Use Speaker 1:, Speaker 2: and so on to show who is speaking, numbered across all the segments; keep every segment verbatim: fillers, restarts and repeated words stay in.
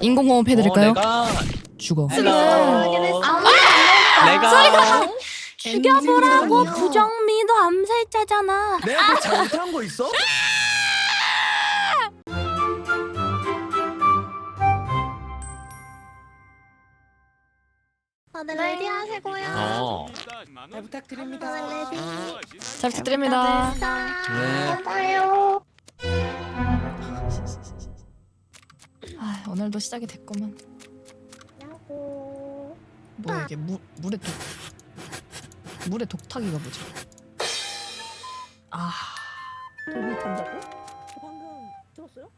Speaker 1: 인공호흡 해드릴까요?
Speaker 2: 어, 내가
Speaker 1: 죽어.
Speaker 2: 헬로. 내가
Speaker 3: 죽여보라고. 부정미도 암살자잖아.
Speaker 4: 내가 뭐 잘못한 거 있어?
Speaker 3: 다들 레디 하시고요.
Speaker 2: 어.
Speaker 4: 잘 부탁드립니다.
Speaker 3: 레디.
Speaker 1: 잘 부탁드립니다.
Speaker 2: 네.
Speaker 3: 맞아요.
Speaker 1: 아, 오늘도 시작이 됐구만.
Speaker 3: 야호.
Speaker 1: 뭐야 이게 물 물에 독 물에 독타기가 뭐지? 아,
Speaker 5: 독을 탄다고? 방금 들었어요?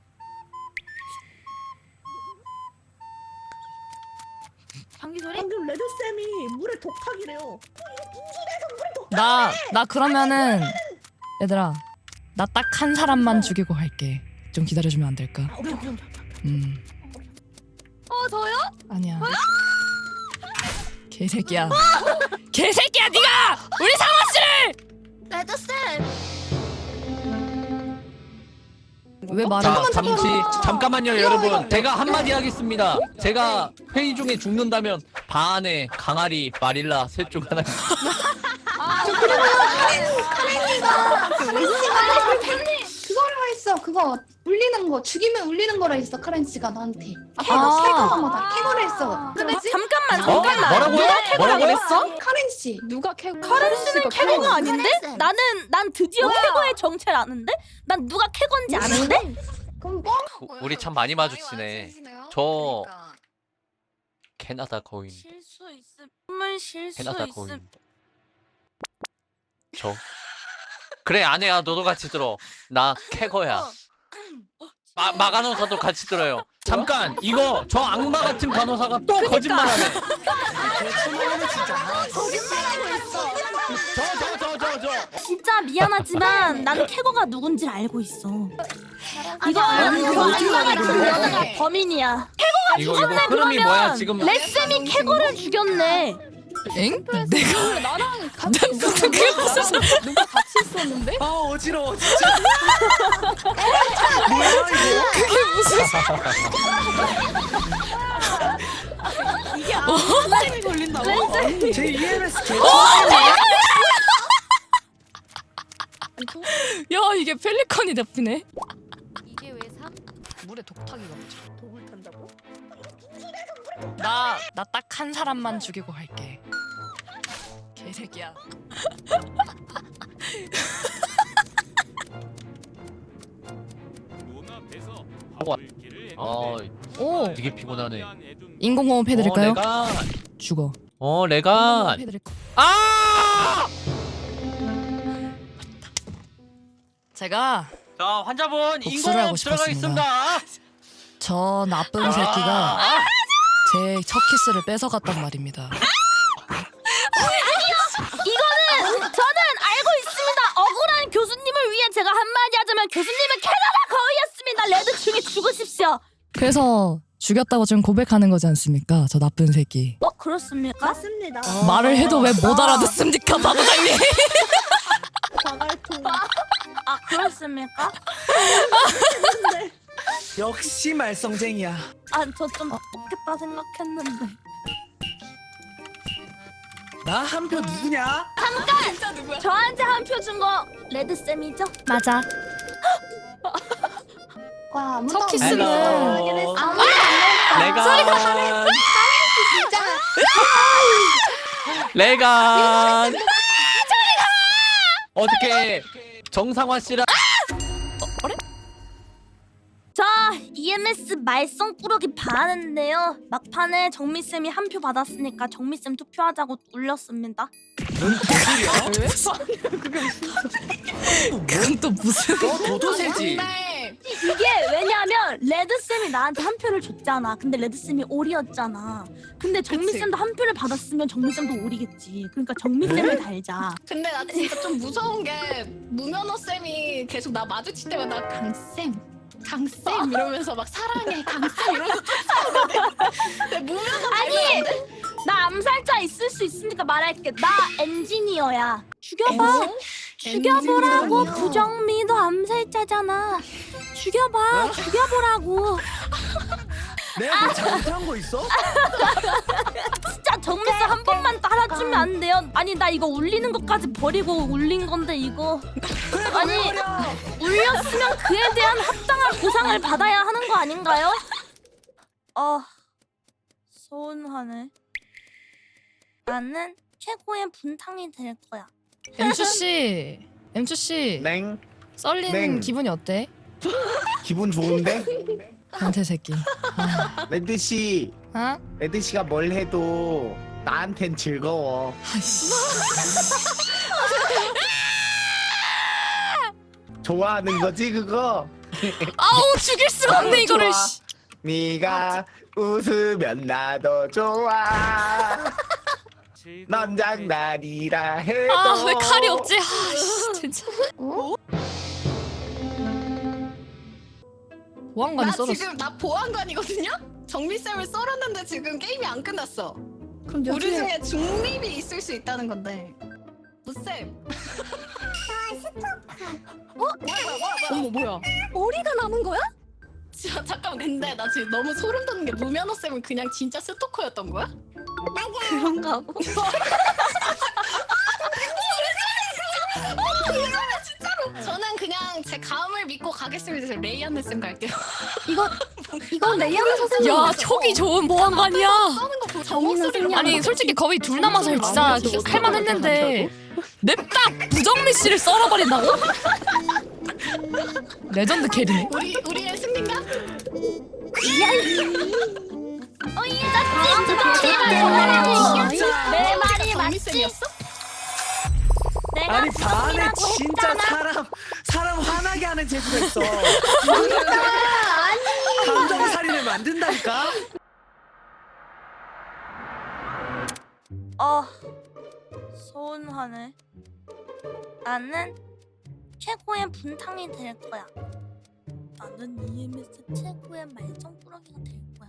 Speaker 3: 방귀 소리?
Speaker 5: 방금 레드 쌤이 물에 독타기래요.
Speaker 1: 나 나 그러면은 얘들아, 나 딱 한 사람만 죽이고 갈게. 좀 기다려주면 안 될까?
Speaker 5: 아, 오케이 오케이 오케이.
Speaker 1: 음,
Speaker 3: 어 저요?
Speaker 1: 아니야. 개새끼야. 개새끼야, 네가 우리 상어 씨를
Speaker 3: 레드 쌤.
Speaker 1: 왜 말을?
Speaker 2: 자, 잠시 잠깐만요, 여러분. 제가 한마디 하겠습니다. 제가 회의 중에 죽는다면 반에 강아리, 마릴라 셋 중 하나.
Speaker 6: 그거를 했어. 그거 울리는 거 죽이면 울리는 거라 했어. 카렌씨가 나한테.
Speaker 1: 아.
Speaker 6: 캐거마다 캐거를 했어. 그랬지?
Speaker 3: 잠깐만
Speaker 2: 어?
Speaker 3: 잠깐만.
Speaker 2: 뭐라고요? 뭐라고
Speaker 3: 그랬어?
Speaker 6: 카렌씨.
Speaker 5: 누가 캐고?
Speaker 3: 카렌씨는 캐거가 아닌데?
Speaker 6: 카렌씨.
Speaker 3: 나는 난 드디어
Speaker 6: 뭐야?
Speaker 3: 캐거의 정체를 아는데? 난 누가 캐건지 아는데?
Speaker 6: 그럼 뭐?
Speaker 2: 우리 참 많이 마주치네. 저 캐나다 거인.
Speaker 3: 실수 있음. 실수
Speaker 2: 캐나다
Speaker 3: 있음.
Speaker 2: 거인. 저. 그래, 아내야, 너도 같이 들어. 나 캐거야. 마, 마 간호사도 같이 들어요. 잠깐, 이거 저 악마 같은 간호사가 또 거짓말하네. 저 저 저 저 저.
Speaker 3: 진짜 미안하지만 나는 캐거가 누군지 알고 있어. 이거
Speaker 6: 아니,
Speaker 3: 이거
Speaker 6: 그거
Speaker 3: 악마 같은
Speaker 6: 어디로
Speaker 3: 여자가
Speaker 6: 그래?
Speaker 3: 범인이야.
Speaker 2: 이거 이거 흐름이 뭐야 지금?
Speaker 3: 레쌤이 캐거를 죽였네.
Speaker 1: 엥? 내가
Speaker 5: 나랑
Speaker 1: 나 무슨 그게 무슨 소리?
Speaker 5: 누가 같이 있었는데?
Speaker 4: 아 어지러워 진짜. 뭐야 이거?
Speaker 1: 그게 무슨
Speaker 5: 이게 암살이 걸린다고?
Speaker 4: 제 이엠에스 개.
Speaker 1: 야, 이게 펠리컨이 잡히네.
Speaker 7: 이게 왜 삼?
Speaker 1: 물에 독타기가 뭐지?
Speaker 5: 독을 탄다고?
Speaker 1: 나 나 딱 한 사람만 죽이고 갈게. 개새끼야.
Speaker 2: 어,
Speaker 1: 오,
Speaker 2: 되게 피곤하네.
Speaker 1: 인공호흡 해드릴까요?
Speaker 2: 어, 내가
Speaker 1: 죽어.
Speaker 2: 어, 내가
Speaker 1: 인공호흡 해드릴까?
Speaker 2: 아!
Speaker 1: 제가
Speaker 2: 자, 환자분
Speaker 1: 복수를 하고
Speaker 2: 인공호흡
Speaker 1: 싶었습니다.
Speaker 2: 들어가겠습니다.
Speaker 1: 저 나쁜 새끼가
Speaker 2: 아,
Speaker 1: 제 첫 키스를 뺏어갔단 말입니다.
Speaker 3: 이거는 저는 알고 있습니다. 억울한 교수님을 위해 제가 한마디 하자면 교수님은 캐나다 거위였습니다. 레드 중에 죽으십시오.
Speaker 1: 그래서 죽였다고 지금 고백하는 거지 않습니까? 저 나쁜 새끼.
Speaker 3: 어 그렇습니까?
Speaker 5: 맞습니다.
Speaker 1: 말을 해도 왜 못 알아듣습니까, 바보장님?
Speaker 5: 자갈통.
Speaker 3: 아 그렇습니까?
Speaker 4: 역시 말썽쟁이야.
Speaker 3: 아 저 좀 똑겠다 생각했는데.
Speaker 4: 나 한 표 누구냐?
Speaker 3: 저한테 한 표 준 거 레드 쌤이죠? 맞아.
Speaker 6: 와, 아무도
Speaker 1: 첫
Speaker 6: 안
Speaker 1: 키스는
Speaker 6: 했어. 아무도 안
Speaker 2: 레간.
Speaker 6: 진짜.
Speaker 2: 레간. 어떻게 정상화 씨랑
Speaker 3: 자 이엠에스 말썽 꾸러기 반했는데요. 막판에 정미쌤이 한 표 받았으니까 정미쌤 투표하자고 울렸습니다.
Speaker 1: 그건 또 무슨?
Speaker 4: 너 도도새지.
Speaker 3: 이게 왜냐면 레드쌤이 나한테 한 표를 줬잖아. 근데 레드쌤이 오리였잖아. 근데 정미쌤도 한 표를 받았으면 정미쌤도 오리겠지. 그러니까 정미쌤을 달자.
Speaker 6: 근데 나 진짜 좀 무서운 게 무면허 쌤이 계속 나 마주칠 때마다 강쌤, 강쌤 이러면서 막 사랑해 강쌤 이러면서 쫓아오거든. 근데 무면허
Speaker 3: 아니 나 암살자 있을 수 있으니까 말할게. 나 엔지니어야. 죽여봐. 죽여보라고.
Speaker 6: 엔지니어요?
Speaker 3: 부정미도 암살자잖아. 죽여봐. 죽여보라고.
Speaker 4: 내가 뭐 잘못한 거 있어?
Speaker 3: 진짜 정미쌤 한 번만 따라주면 안 돼요? 아니 나 이거 울리는 것까지 버리고 울린 건데 이거 아니 울렸으면 그에 대한 합당한 보상을 받아야 하는 거 아닌가요? 어 서운하네. 나는 최고의 분탕이 될 거야.
Speaker 1: 엠추 씨, 엠추 씨,
Speaker 8: 냉
Speaker 1: 썰린
Speaker 8: 네.
Speaker 1: 기분이 어때?
Speaker 8: 기분 좋은데?
Speaker 1: 변태 새끼. 아,
Speaker 8: 레드 씨,
Speaker 1: 어?
Speaker 8: 레드 씨가 뭘 해도 나한텐 즐거워.
Speaker 1: 아이씨.
Speaker 8: 좋아하는 거지 그거?
Speaker 1: 아우 죽일 수가 없네 이거를.
Speaker 8: 좋아.
Speaker 1: 씨.
Speaker 8: 네가 웃으면 나도 좋아. 넌 장난이라 해도.
Speaker 1: 아 왜 칼이 없지? 아씨 진짜. 보안관이
Speaker 6: 나
Speaker 1: 썰었어.
Speaker 6: 지금 나 보안관이거든요? 정미쌤을 썰었는데 지금 게임이 안 끝났어.
Speaker 5: 그럼
Speaker 6: 우리
Speaker 5: 여기에
Speaker 6: 중에 중립이 있을 수 있다는 건데. 무쌤. 어? 뭐야 뭐야 뭐야 뭐야.
Speaker 5: 어머 뭐야?
Speaker 3: 머리가 남은 거야?
Speaker 6: 자, 잠깐만 근데 나 지금 너무 소름 돋는 게 무면허 쌤은 그냥 진짜 스토커였던 거야?
Speaker 3: 그런가 보.
Speaker 6: 저는 그냥 제 감을 믿고 가겠습니다. 저 레이안네 쌤 갈게요.
Speaker 3: 이거 이건 레이아나 선생님.
Speaker 1: 야 촉이 좋은 보안관이야.
Speaker 6: 싸우는 거 보고 저 목소리로
Speaker 1: 아니 솔직히 거의 둘 남아서 진짜 할만했는데 냅다 부정미 씨를 썰어버린다고? 레전드 캐리네.
Speaker 6: 우리 우리의 승리인가?
Speaker 3: 내 말이
Speaker 6: 정미
Speaker 3: 맞지?
Speaker 6: 쌤이었어?
Speaker 3: 내가
Speaker 4: 아니 반에
Speaker 3: 부정이라고
Speaker 4: 진짜
Speaker 3: 했잖아.
Speaker 4: 사람 사람 화나게 하는 재주가 있어. 감정 살인을 만든다니까.
Speaker 3: 어 서운하네. 나는 최고의 분탕이 될 거야. 나는 이엠에스 최고의 말썽꾸러기가 될 거야.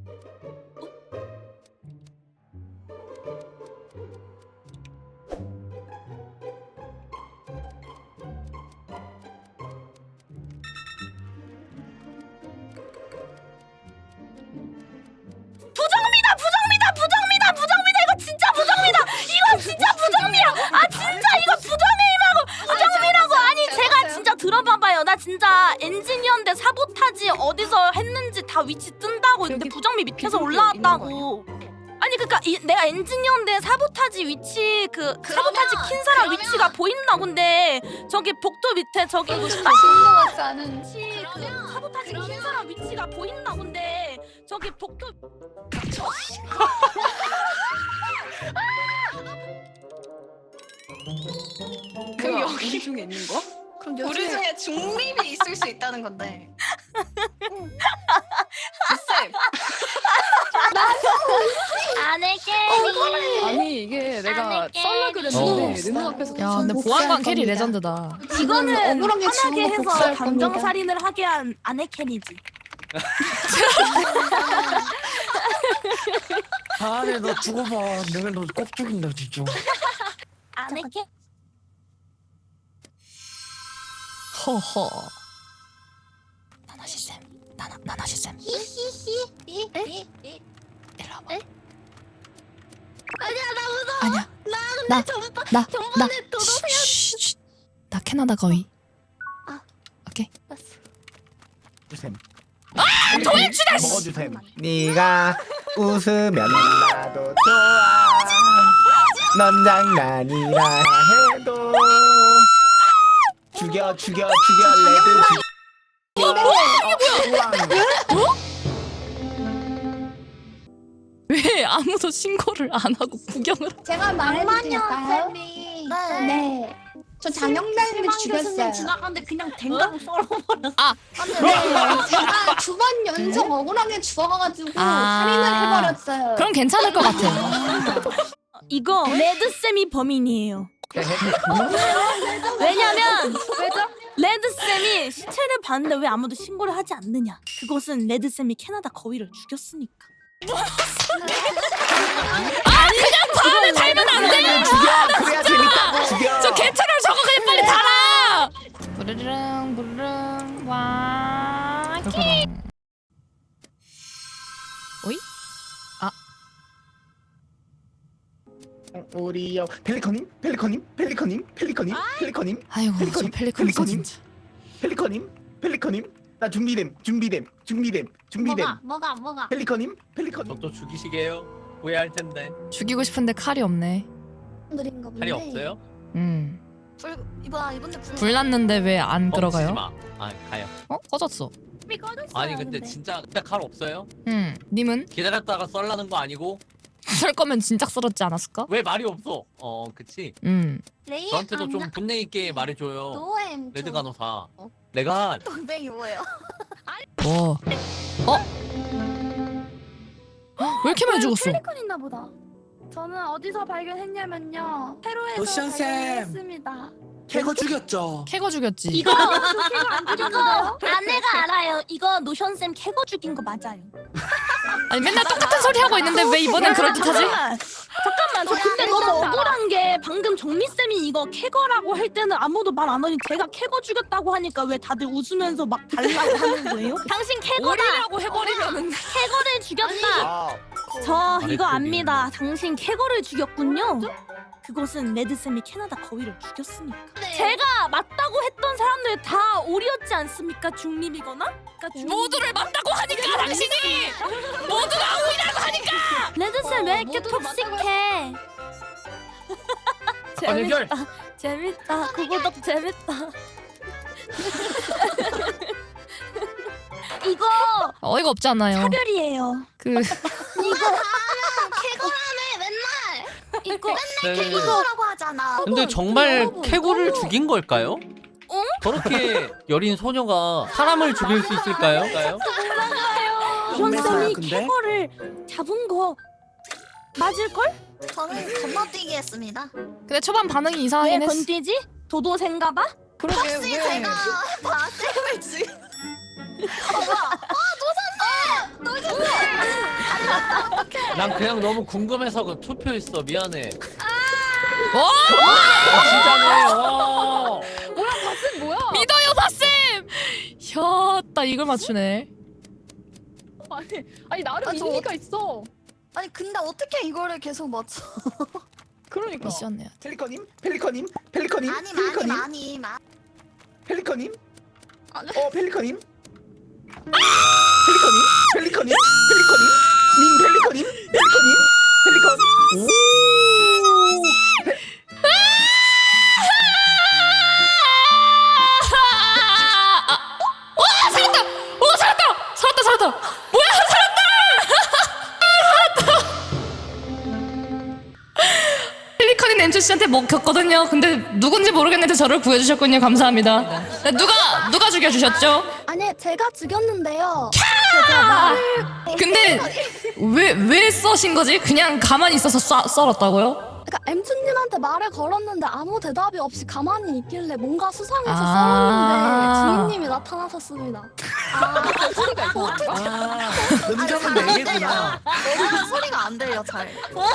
Speaker 3: 부정미다 부정미다 부정미다 부정미다 이거 진짜 부정미다 이거 진짜 부정미야 아 진짜 이거 부정미라고 부정미라고 아니 제가 진짜 들어봐봐요 나 진짜 엔지니어인데 사보타지 어디서 했는지 다 위치 뜬다고 근데 부정미 밑에서 올라왔다고 아니 그니까 이, 내가 엔지니어인데 사보타지 위치 그 사보타지 킨 사람
Speaker 6: 그러면-
Speaker 3: 위치가 보인다 근데 저기 복도 밑에 저기 그
Speaker 6: 신고하지 않은
Speaker 3: 위치 그
Speaker 6: 그러면-
Speaker 3: 사보타지 킨
Speaker 6: 그러면-
Speaker 3: 사람 위치가 보인다 근데 저기 복도
Speaker 6: 그럼 여기
Speaker 5: 우리 중에 있는 거? 그럼
Speaker 6: 우리 중에 중립이 있을 수 있다는 건데. 쌤.
Speaker 3: 안에
Speaker 5: 어, 아니 이게 내가
Speaker 3: 아니,
Speaker 5: 썰라
Speaker 1: 어.
Speaker 5: 그랬는데 눈 앞에서
Speaker 1: 야 근데 보안관 캐리 레전드다.
Speaker 3: 이거는
Speaker 5: 억울하게
Speaker 3: 화나게
Speaker 5: 지운 거
Speaker 3: 해서
Speaker 5: 복수할
Speaker 3: 감정
Speaker 5: 겁니다.
Speaker 3: 살인을 하게 한 아내 캔이지.
Speaker 4: 아네 너 죽어봐. 내가 너 꼭 죽인다 진짜.
Speaker 3: 아내 캔?
Speaker 1: 허허. 나나시 쌤, 나나 나나시 쌤. 일로 와봐.
Speaker 3: 아니야 나 무서워.
Speaker 1: 아니야.
Speaker 3: 나
Speaker 1: 나
Speaker 3: 전반
Speaker 1: 나 나.
Speaker 3: 전반에 도도새였.
Speaker 1: 쉿, 쉿. 나 캐나다 거위.
Speaker 3: 아.
Speaker 1: 오케이.
Speaker 8: 주셈.
Speaker 1: 아, 도입치다.
Speaker 8: 먹어주셈. 네가 웃으면 나도 좋아. 넌 장난이라 해도. 죽여 죽여 죽여 레드 죽여. 어, 우왕.
Speaker 1: 왜 아무도 신고를 안 하고 구경을?
Speaker 9: 제가 말해도 될까요?
Speaker 3: 네.
Speaker 9: 네. 저 장영란을 죽였어요.
Speaker 3: 지나가는데 그냥 댕가고 썰어버렸어.
Speaker 1: 아.
Speaker 9: 네, 제가 두 번 연속 억울하게 죽어가지고
Speaker 1: 아.
Speaker 9: 살인을 해버렸어요.
Speaker 1: 그럼 괜찮을 것 같아.
Speaker 3: 이거 레드 쌤이 범인이에요. 왜냐면 왜죠? 레드 쌤이 시체를 봤는데 왜 아무도 신고를 하지 않느냐? 그것은 레드 쌤이 캐나다 거위를 죽였으니까.
Speaker 1: 아 그냥 바로 달면 안 돼.
Speaker 8: 죽여 그래야 재밌다고. 죽여.
Speaker 1: 저 개처럼 저거 그냥 빨리 달아. 부르릉 부르릉 와.
Speaker 8: 우리요 펠리커님 펠리커님 펠리커님 펠리커님 펠리커님
Speaker 1: 아이고 저
Speaker 8: 펠리컨님,
Speaker 1: 펠리컨 있어
Speaker 8: 펠리컨님.
Speaker 1: 진짜.
Speaker 8: 펠리커님 펠리커님 나 준비됨 준비됨 준비됨 준비됨
Speaker 3: 뭐가 뭐가 뭐가
Speaker 8: 펠리커님 펠리커님
Speaker 2: 저또 죽이시게요? 후회할 텐데.
Speaker 1: 죽이고 싶은데 칼이 없네.
Speaker 9: 드린가 본데.
Speaker 2: 칼이 없어요?
Speaker 1: 음.
Speaker 3: 불 이봐 이번에 불
Speaker 1: 불났는데 왜 안
Speaker 2: 멈추지
Speaker 1: 들어가요?
Speaker 2: 마. 아 가요.
Speaker 1: 어? 꺼졌어.
Speaker 3: 불이 꺼졌어요.
Speaker 2: 아니 근데 진짜 진짜 칼 없어요?
Speaker 1: 음. 님은
Speaker 2: 기다렸다가 썰라는 거 아니고
Speaker 1: 썰 거면 진작 썰었지 않았을까?
Speaker 2: 왜 말이 없어? 어 그치.
Speaker 1: 음.
Speaker 3: 레이
Speaker 2: 저한테도 좀 분내 있게 말해줘요.
Speaker 3: 노엠
Speaker 2: 레드 간호사. 내가
Speaker 3: 동생이 뭐예요?
Speaker 1: 뭐? 어? 왜 이렇게 많이 죽었어?
Speaker 3: 펠리컨 있나 보다. 저는 어디서 발견했냐면요. 페루에서
Speaker 4: 로션 쌤.
Speaker 3: 발견했습니다.
Speaker 4: 캐거 죽였죠.
Speaker 1: 캐거 죽였지.
Speaker 3: 이거 이거 아내가 알아요. 이거 노션 쌤 캐거 죽인 거 맞아요.
Speaker 1: 아니 맨날 똑같은 소리 하고 있는데 왜 이번엔 그럴듯하지?
Speaker 3: 잠깐만, 잠깐만. 저 근데 너무 억울한 게 방금 정미 쌤이 이거 캐거라고 할 때는 아무도 말 안 하니 제가 캐거 죽였다고 하니까 왜 다들 웃으면서 막 달라고 하는 거예요? 당신 캐거다.
Speaker 1: 오리라고 해버리면은
Speaker 3: 캐거를 죽였다.
Speaker 8: 아
Speaker 3: 저 이거
Speaker 2: 아랫쪽이.
Speaker 3: 압니다. 당신 캐거를 죽였군요. 그것은 레드쌤이 캐나다 거위를 죽였으니까. 제가 맞다고 했던 사람들 다 오리였지 않습니까? 중립이거나? 그러니까 중립...
Speaker 1: 모두를 맞다고 하니까 당신이 모두가 오리라고 하니까.
Speaker 3: 레드쌤 왜
Speaker 6: 어,
Speaker 3: 이렇게
Speaker 6: 모두를
Speaker 3: 톡식해?
Speaker 2: 관여결.
Speaker 3: 재밌다. 재밌다. 구구덕 재밌다. 이거
Speaker 1: 어이가 없잖아요.
Speaker 3: 차별이에요.
Speaker 1: 그
Speaker 3: 이거
Speaker 9: 캐거라네 맨날.
Speaker 3: 이거
Speaker 2: 네.
Speaker 3: 캐거라고 하잖아.
Speaker 2: 근데 정말
Speaker 3: 여러분,
Speaker 2: 캐고를
Speaker 3: 여러분.
Speaker 2: 죽인 걸까요? 저렇게 여린 소녀가 사람을 죽일 수 있을까요?
Speaker 3: 현쌤이
Speaker 4: 근데?
Speaker 3: 캐거를 잡은 거 맞을 걸?
Speaker 9: 저는 건너뛰기 했습니다.
Speaker 1: 근데 초반 반응이
Speaker 3: 왜
Speaker 1: 이상하긴 했어.
Speaker 3: 건디지? 도도새인가 봐?
Speaker 5: 그러게
Speaker 9: 혹시
Speaker 5: 왜?
Speaker 9: 제가 바쌤을 지금
Speaker 2: 난 그냥 너무 궁금해서 그 투표했어. 미안해.
Speaker 1: 어?
Speaker 2: 아, 진짜네. 어.
Speaker 5: 쌤 뭐야?
Speaker 1: 믿어요 바쌤. 혀따 이걸 맞추네.
Speaker 5: 아니 아니 나름
Speaker 9: 아, 저
Speaker 5: 의미가 있어.
Speaker 9: 아니 근데 어떻게 이거를 계속 맞춰?
Speaker 5: 그러니까.
Speaker 1: 미션 내야 돼.
Speaker 8: 펠리커님 펠리커님 펠리커님
Speaker 9: 많이 많이
Speaker 8: 펠리커님
Speaker 9: 많이 많이.
Speaker 8: 펠리커님
Speaker 9: 아니.
Speaker 8: 어 펠리커님 펠리커님 펠리커님 펠리커님 님 펠리커님 펠리커님 펠리컨 오 페-
Speaker 1: 와 살았다. 오 살았다. 살았다 살았다. 뭐야 살았다. 살았다. 펠리컨인 엠투 씨한테 먹혔거든요. 근데 누군지 모르겠는데 저를 구해주셨군요. 감사합니다. 네, 누가 누가 죽여주셨죠?
Speaker 9: 아니 제가 죽였는데요.
Speaker 1: 근데 왜 왜 써신 거지? 그냥 가만히 있어서 쏴, 썰었다고요?
Speaker 9: 그러니까 엠투님한테 말을 걸었는데 아무 대답이 없이 가만히 있길래 뭔가 수상해서
Speaker 1: 아.
Speaker 9: 썰었는데 주인님이 나타나셨습니다.
Speaker 5: 소리가 있어.
Speaker 8: 아 음정은 네 개구나
Speaker 9: 내가 소리가 안 들려 잘.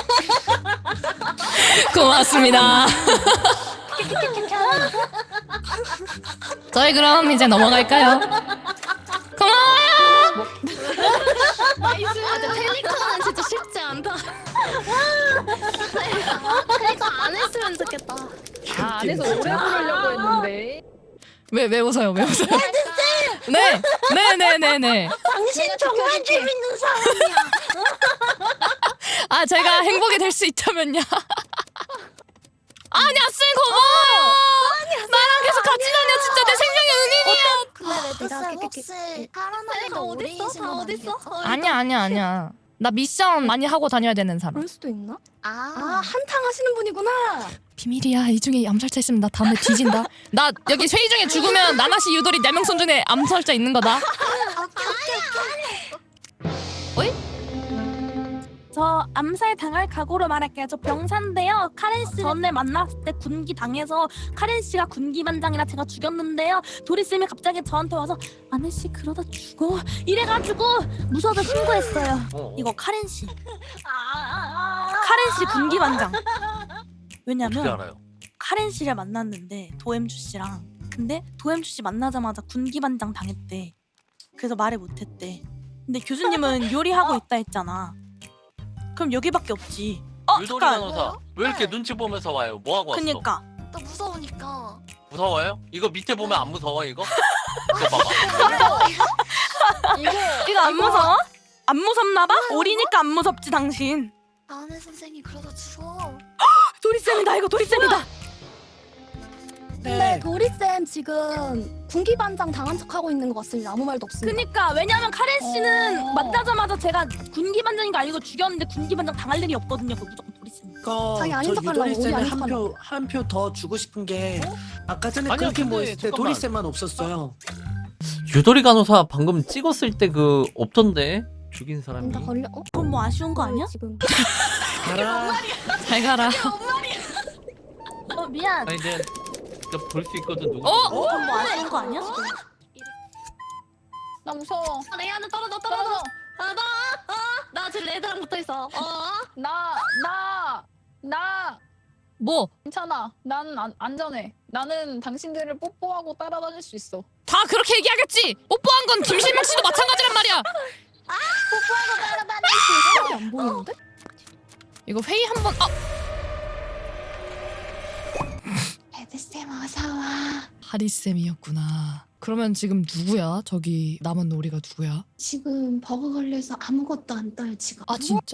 Speaker 1: 고맙습니다. 저희 그럼 이제 넘어갈까요? 고마워요.
Speaker 6: 나이스. 아, 근데 펠리컨은 진짜 쉽지 않다.
Speaker 9: 그러니까 안 했으면 좋겠다.
Speaker 5: 아, 안에서 오래 부르려고 했는데.
Speaker 1: 왜 왜 웃어요? 왜 웃어요? 네, 네, 네, 네, 네.
Speaker 9: 당신 정말 재밌는 사람이야.
Speaker 1: 아 제가 행복이 될 수 있다면요. 아니야 쌤 고마워요. 나랑 계속 같이 다녀. 진짜 내 생명의 은인이야.
Speaker 9: 근데 레드쌤 혹시 살아남은 거 오리이신 건 아니겠죠?
Speaker 1: 아니야 아니야 아니야. 나 미션 많이 하고 다녀야 되는 사람.
Speaker 9: 그럴 수도 있나? 아,
Speaker 3: 아,
Speaker 9: 한탕 하시는 분이구나.
Speaker 1: 비밀이야. 이 중에 암살자 있으면 나 다음에 뒤진다. 나 여기 회의 중에 죽으면 나나시 유도리 네 명 손 중에 암살자 있는 거다. 어이?
Speaker 3: 저 암살 당할 각오로 말할게요. 저 병사인데요. 카렌 씨 전에 만났을 때 군기 당해서 카렌 씨가 군기 반장이라 제가 죽였는데요. 도리 쌤이 갑자기 저한테 와서 아내 씨 그러다 죽어 이래가지고 무서워서 신고했어요.
Speaker 2: 어.
Speaker 3: 이거 카렌 씨. 카렌 씨 군기 반장.
Speaker 2: 어떻게
Speaker 3: 왜냐면
Speaker 2: 알아요?
Speaker 3: 카렌 씨를 만났는데 도엠주 씨랑 근데 도엠주 씨 만나자마자 군기 반장 당했대. 그래서 말을 못했대. 근데 교수님은 요리하고 있다 했잖아. 그럼 여기밖에 없지. 어
Speaker 2: 유도리
Speaker 3: 잠깐.
Speaker 2: 간호사 왜 이렇게 눈치 보면서 와요? 뭐 하고 왔어?
Speaker 3: 그니까.
Speaker 7: 나 무서우니까.
Speaker 2: 무서워요? 이거 밑에 보면 안 무서워 이거? 이거 봐봐.
Speaker 5: 이거
Speaker 3: 이거 안 무서워? 안 무섭나봐? 오리니까 안 무섭지 당신.
Speaker 7: 아는 선생이 그러다 죽어.
Speaker 3: 도리쌤이다 이거 도리쌤이다.
Speaker 9: 근데
Speaker 4: 네.
Speaker 9: 도리쌤 지금 군기반장 당한 척하고 있는 것 같습니다. 아무 말도 없습니다.
Speaker 3: 그니까 왜냐면 카렌 씨는
Speaker 5: 어.
Speaker 3: 만나자마자 제가 군기반장인 거 알고 죽였는데 군기반장 당할 일이 없거든요. 그 무조건 도리쌤.
Speaker 4: 그거
Speaker 9: 자기 아닌
Speaker 4: 저
Speaker 9: 척하려고,
Speaker 4: 유도리
Speaker 9: 우리
Speaker 4: 쌤에
Speaker 9: 아닌 척하려고.
Speaker 4: 한표한 표 더 주고 싶은 게 아까 전에
Speaker 2: 아니야,
Speaker 4: 그렇게
Speaker 2: 근데
Speaker 4: 모였을 때
Speaker 2: 잠깐만.
Speaker 4: 도리 쌤만 없었어요.
Speaker 2: 유도리 간호사 방금 찍었을 때 그 없던데 죽인 사람이.
Speaker 9: 다 걸려. 어?
Speaker 3: 그건 뭐 아쉬운 거 아니야?
Speaker 9: 지금.
Speaker 4: 가라.
Speaker 1: 잘 가라.
Speaker 3: 어 미안.
Speaker 2: 아니 이제 볼 수 있거든 누구?
Speaker 1: 어?
Speaker 3: 그건 뭐 아쉬운 거 아니야?
Speaker 5: 나 무서워.
Speaker 7: 레이아는 떨어져
Speaker 5: 떨어져.
Speaker 7: 떨어져. 아 나. 아, 나 지금 레드랑 붙어 있어. 어.
Speaker 5: 나 나 나
Speaker 1: 뭐?
Speaker 5: 괜찮아. 난 안, 안전해. 나는 당신들을 뽀뽀하고 따라다닐 수 있어.
Speaker 1: 다 그렇게 얘기하겠지. 뽀뽀한 건 김실명 씨도 마찬가지란 말이야.
Speaker 9: 안 보이는데?
Speaker 1: 이거 회의 한번. 아,
Speaker 7: 레드쌤 어서 와.
Speaker 1: 하리 쌤이었구나. 그러면 지금 누구야? 저기 남은 오리가 누구야?
Speaker 7: 지금 버그 걸려서 아무것도 안 떠요 지금.
Speaker 1: 아 진짜?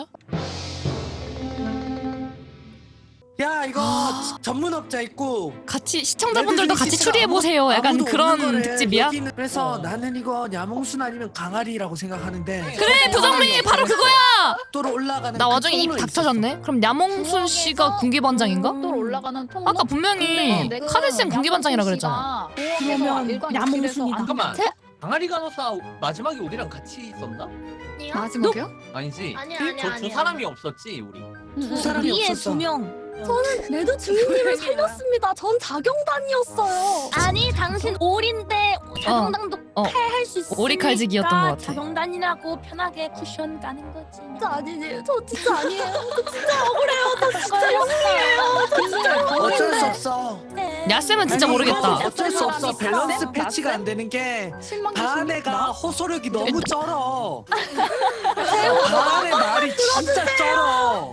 Speaker 4: 야 이거
Speaker 1: 아.
Speaker 4: 전문업자 있고
Speaker 1: 같이 시청자분들도 같이
Speaker 4: 레드리
Speaker 1: 추리해 보세요. 약간
Speaker 4: 아무도
Speaker 1: 그런
Speaker 4: 없는 거래.
Speaker 1: 특집이야.
Speaker 4: 여기는 그래서
Speaker 2: 어.
Speaker 4: 나는 이거 야몽순 아니면 강아리라고 생각하는데
Speaker 1: 그래 부정민이 바로 그거야.
Speaker 4: 또로 올라가는
Speaker 1: 나
Speaker 4: 그
Speaker 1: 와중에 입
Speaker 4: 통로에
Speaker 1: 닥쳐졌네. 그럼 야몽순 씨가 군기반장인가?
Speaker 5: 또 올라가는 통로.
Speaker 1: 아까 분명히
Speaker 5: 근데 내가
Speaker 1: 카드 쌤 군기반장이라 그랬잖아.
Speaker 5: 야몽순 씨가
Speaker 3: 그러면
Speaker 5: 일광
Speaker 3: 야몽순이다.
Speaker 5: 욕실에서 안-
Speaker 2: 잠깐만.
Speaker 9: 제-
Speaker 2: 강아리 간호사 마지막에 우리랑 같이 있었나?
Speaker 6: 마지막이요?
Speaker 2: 아니지.
Speaker 7: 아니야, 아니야,
Speaker 2: 저 두
Speaker 7: 아니야.
Speaker 2: 사람이 없었지 우리.
Speaker 4: 두 사람이
Speaker 3: 우리의
Speaker 4: 없었어.
Speaker 3: 두 명.
Speaker 9: 저는 레드 주인님을 살렸습니다. 전 자경단이었어요.
Speaker 3: 아니 당신 오리인데 자경단도
Speaker 1: 어.
Speaker 3: 칼 수 있으니까
Speaker 1: 오리 칼지기였던 것 같아.
Speaker 3: 자경단이라고 편하게 쿠션 가는 거지.
Speaker 9: 진짜 아니지. 저 진짜 아니에요. 저 진짜 억울해요. 저 진짜 영웅이에요. 저 진짜
Speaker 4: 어쩔 수
Speaker 9: 영웅인데.
Speaker 4: 없어.
Speaker 1: 야쌤은 진짜
Speaker 4: 아니,
Speaker 1: 모르겠다.
Speaker 4: 이거 어쩔 수 없어.
Speaker 5: 나쌤?
Speaker 4: 밸런스
Speaker 5: 나쌤?
Speaker 4: 패치가 안 되는 게 바네가 호소력이 너무 쩔어. 바네 말이 진짜 쩔어.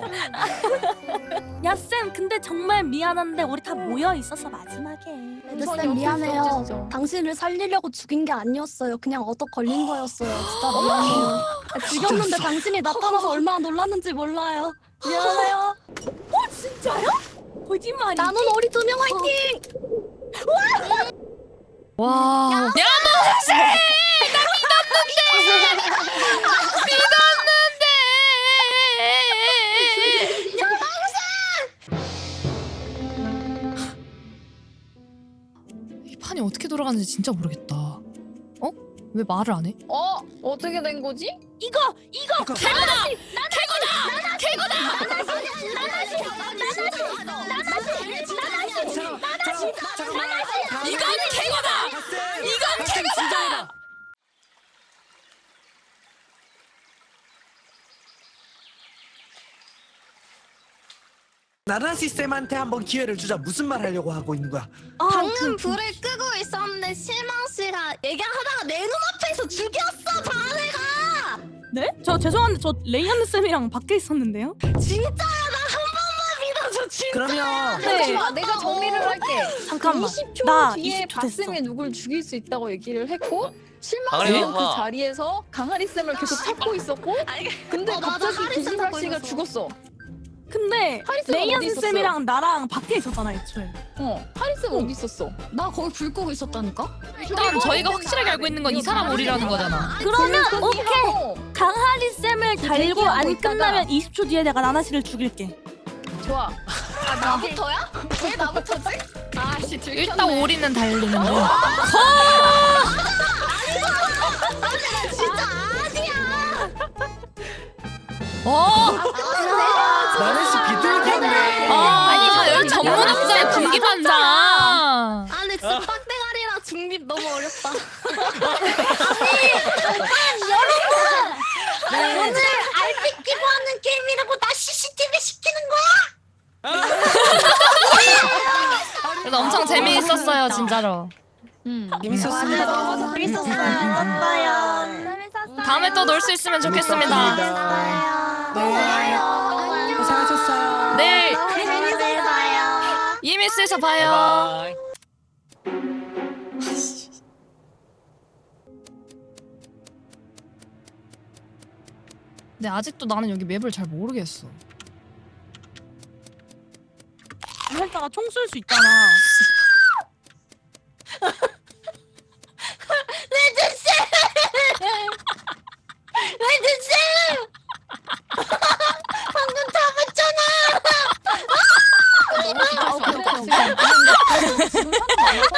Speaker 3: 야쌤 근데 정말 미안한데 우리 다 모여 있어서 마지막에.
Speaker 9: 레드쌤 미안해요. 당신을 살리려고 죽인 게 아니었어요. 그냥 얻어 걸린 거였어요. 진짜 미안해요. 아, 죽였는데 당신이 나타나서 얼마나 놀랐는지 몰라요. 미안해요.
Speaker 3: 어 진짜요? 거짓말이지?
Speaker 9: 남은 오리 두 명 화이팅!
Speaker 1: 와. 야몽순! 나 믿었는데. 믿었는데. 이 판이 어떻게 돌아가는지 진짜 모르겠다. 어? 왜 말을 안 해?
Speaker 5: 어 어떻게 된 거지?
Speaker 3: 이거 이거
Speaker 1: 캐고다! 이건 캐고다!
Speaker 4: 이건 캐거다. 나나시 쌤한테 한번 기회를 주자. 무슨 말 하려고 하고 있는 거야?
Speaker 3: 아,
Speaker 7: 방금
Speaker 3: 그,
Speaker 7: 불을 끄고 있었는데 실망 씨가 얘기하다가 내 눈앞에서 죽였어 자네가.
Speaker 3: 네? 저 죄송한데 저 레이언 쌤이랑 밖에 있었는데요?
Speaker 7: 진짜야 나 한 번만 믿어줘 진짜.
Speaker 4: 그러면
Speaker 5: 네. 아, 내가 정리를 할게.
Speaker 3: 잠깐만.
Speaker 5: 이십 초
Speaker 3: 나
Speaker 5: 뒤에
Speaker 3: 이십 초 됐어.
Speaker 5: 박쌤이 누굴 죽일 수 있다고 얘기를 했고
Speaker 2: 강아리
Speaker 5: 실망스러운 그
Speaker 2: 간호사.
Speaker 5: 자리에서 강아리 쌤을 계속 찾고 있었고
Speaker 7: 아니,
Speaker 5: 근데
Speaker 7: 어, 맞아.
Speaker 5: 갑자기
Speaker 7: 하리 쌤
Speaker 5: 구지발
Speaker 7: 찾고
Speaker 5: 씨가
Speaker 7: 있었어.
Speaker 5: 죽었어.
Speaker 3: 근데
Speaker 5: 하리 쌤은 어디
Speaker 3: 레이언
Speaker 5: 있었어?
Speaker 3: 쌤이랑 나랑 밖에 있었잖아 애초에.
Speaker 5: 어, 하리 쌤 어디 있었어?
Speaker 6: 나 거기 불 끄고 있었다니까?
Speaker 1: 일단 저희가 확실하게 알고 있는 건 이 사람 오리라는 거잖아.
Speaker 3: 그러면
Speaker 5: 불
Speaker 3: 오케이.
Speaker 5: 끄기하고.
Speaker 3: 강하리 쌤을 달고
Speaker 5: 대기하고
Speaker 3: 안
Speaker 5: 있다가.
Speaker 3: 끝나면 이십 초 뒤에 내가 나나씨를 죽일게.
Speaker 5: 좋아.
Speaker 7: 아 나부터야? 왜 나부터지? 아씨 들켰네.
Speaker 1: 일단 오리는 달리는 중.
Speaker 7: 진짜 아니야.
Speaker 1: 어!
Speaker 4: 나나시 비둘기네.
Speaker 1: 아, 여기 전문업자의 군기반장.
Speaker 7: 아 근데 진짜 빡대가리랑 중립 너무 어렵다.
Speaker 9: 오늘 알피 끼고 하는 게임이라고 나 씨씨티비 시키는 거야?
Speaker 1: 그래서 엄청 재미있었어요, 진짜로.
Speaker 5: 음.
Speaker 4: 재밌었습니다.
Speaker 9: 너무 재밌었어요. 재밌었어요.
Speaker 1: 다음에 또 놀 수 있으면 좋겠습니다.
Speaker 4: 네. 고생하셨어요.
Speaker 1: 스미스에서 봐요.
Speaker 2: 바이바이.
Speaker 1: 근데 아직도 나는 여기 맵을 잘 모르겠어.
Speaker 3: 했다가 총 쏠 수 있잖아.
Speaker 7: 레드씨! 레드씨! 방금 잡았잖아!
Speaker 5: 아, 오케이, 오케이, 오케이. 지금 사람 많아서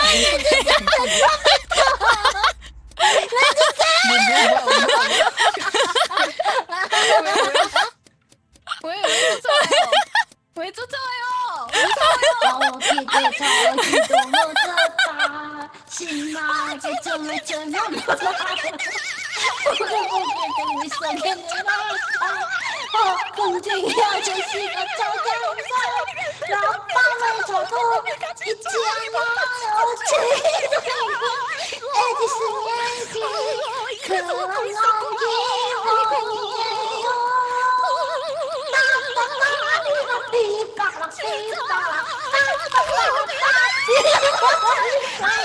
Speaker 6: 왜, 왜 쫓아와요? 왜 쫓아와요?
Speaker 7: 어디도 저기도 못 쳤다 신나게 춤을 추며 고개들 속에 늘어있다 어, 공쟁이 아저씨가 찾아온다 낮밤을 저도 잊지 않아요 지금 에디슨 얘기 그런 기분이에요 삐빠락 삐빠락